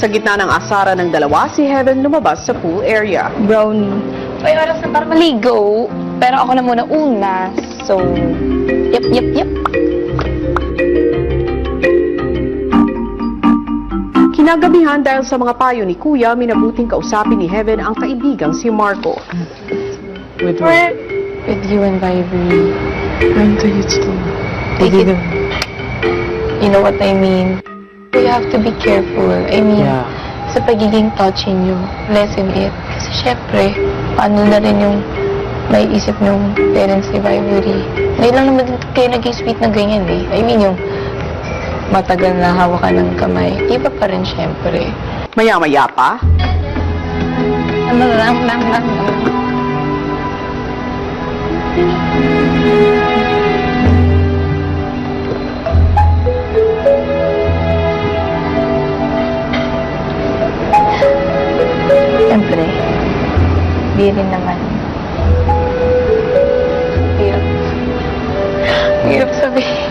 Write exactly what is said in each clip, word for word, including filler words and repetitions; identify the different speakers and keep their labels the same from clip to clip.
Speaker 1: Sa gitna ng asaran ng dalawa, si Heaven lumabas sa pool area.
Speaker 2: Brownie.
Speaker 3: May oras na para maligo. Pero ako na muna una. So, yep, yep, yep.
Speaker 1: Kinagabihan dahil sa mga payo ni Kuya, minabuting kausapin ni Heaven ang kaibigang si Marco.
Speaker 2: With
Speaker 3: Where?
Speaker 2: With you and Vibree. I'm the youth too.
Speaker 3: Take it. You know what I mean? You have to be careful. I mean,
Speaker 2: Yeah.
Speaker 3: sa pagiging touching nyo, lessen it. Kasi syempre, paano na rin yung may isip ng parents ni Vibree. Ngayon lang naman kayo naging sweet na ganyan eh. I mean, yung matagal na hawakan ng kamay. Iba pa rin syempre.
Speaker 1: Maya-maya pa,
Speaker 3: Ano lang, lang, lang, lang. Siyempre, di rin naman. Hirap. Hirap sabihin.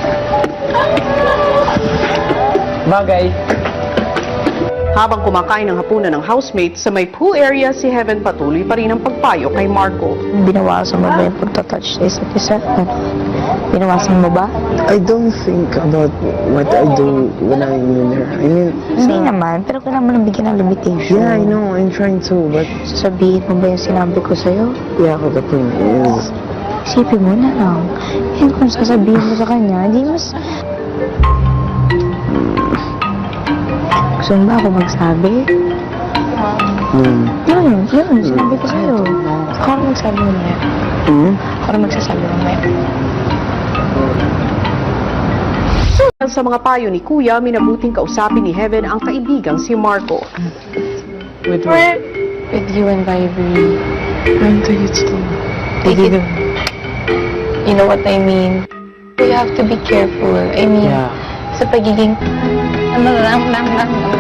Speaker 2: Bagay.
Speaker 1: habang kumakain ng hapunan ng housemate sa may pool area, si Heaven patuloy pa rin ang pagpayo kay Marco.
Speaker 3: Binawasan mo ba yung pagtatouch sa isa't isa? Binawasan mo ba?
Speaker 4: I don't think about what I do when I'm with her. I mean,
Speaker 3: Hindi naman, pero kailangan mo nang bigyan ng limitation.
Speaker 4: yeah, I know, I'm trying to, but
Speaker 3: Sasabihin mo ba yung sinabi ko sa'yo?
Speaker 4: yeah, the thing is,
Speaker 3: Isipin mo na lang. Yan kung sasabihin mo sa kanya, di mas... Gusto mo ba ako magsabi?
Speaker 4: hmm,
Speaker 3: Yun, yun, sinabi ko sa'yo. Ako rin magsabi mo na yan.
Speaker 4: hmm?
Speaker 3: Ako rin magsasabi mo na yan.
Speaker 1: Sa mga payo ni Kuya, minabuting kausapin ni Heaven ang kaibigang si Marco.
Speaker 2: With,
Speaker 3: Where?
Speaker 2: with you and Vibree. I'm the youth too.
Speaker 3: Take it. You know what I mean? You have to be careful. I mean,
Speaker 2: Yeah.
Speaker 3: sa pagiging... Ano lang, lang, lang, lang.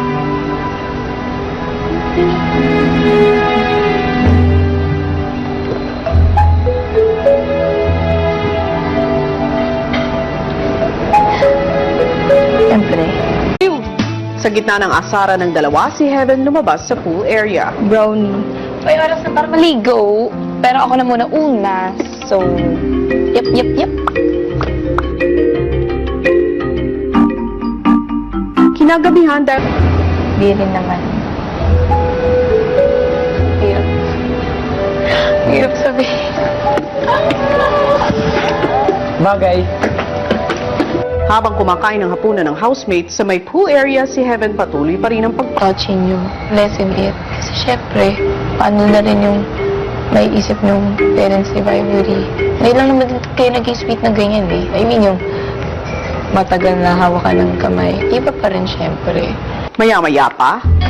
Speaker 3: Siyempre.
Speaker 1: Sa gitna ng asara ng dalawa, si Heaven lumabas sa pool area.
Speaker 2: Brownie.
Speaker 3: May oras na para maligo. Pero ako na muna una. So, yep, yep, yep.
Speaker 1: Kinagabihan dahil
Speaker 3: Di rin naman. Hirap. Hirap sabihin.
Speaker 2: Bagay.
Speaker 1: habang kumakain ng hapunan ng housemate sa may pool area, si Heaven patuloy pa rin ang pag
Speaker 3: Touching you, lessen it. Kasi syempre, paano na rin yung may isip ng parents ni Vibree. Ngayon lang naman kayo naging sweet na ganyan eh. I mean, yung matagal na hawakan ng kamay. Iba pa rin syempre.
Speaker 1: Maya-maya pa,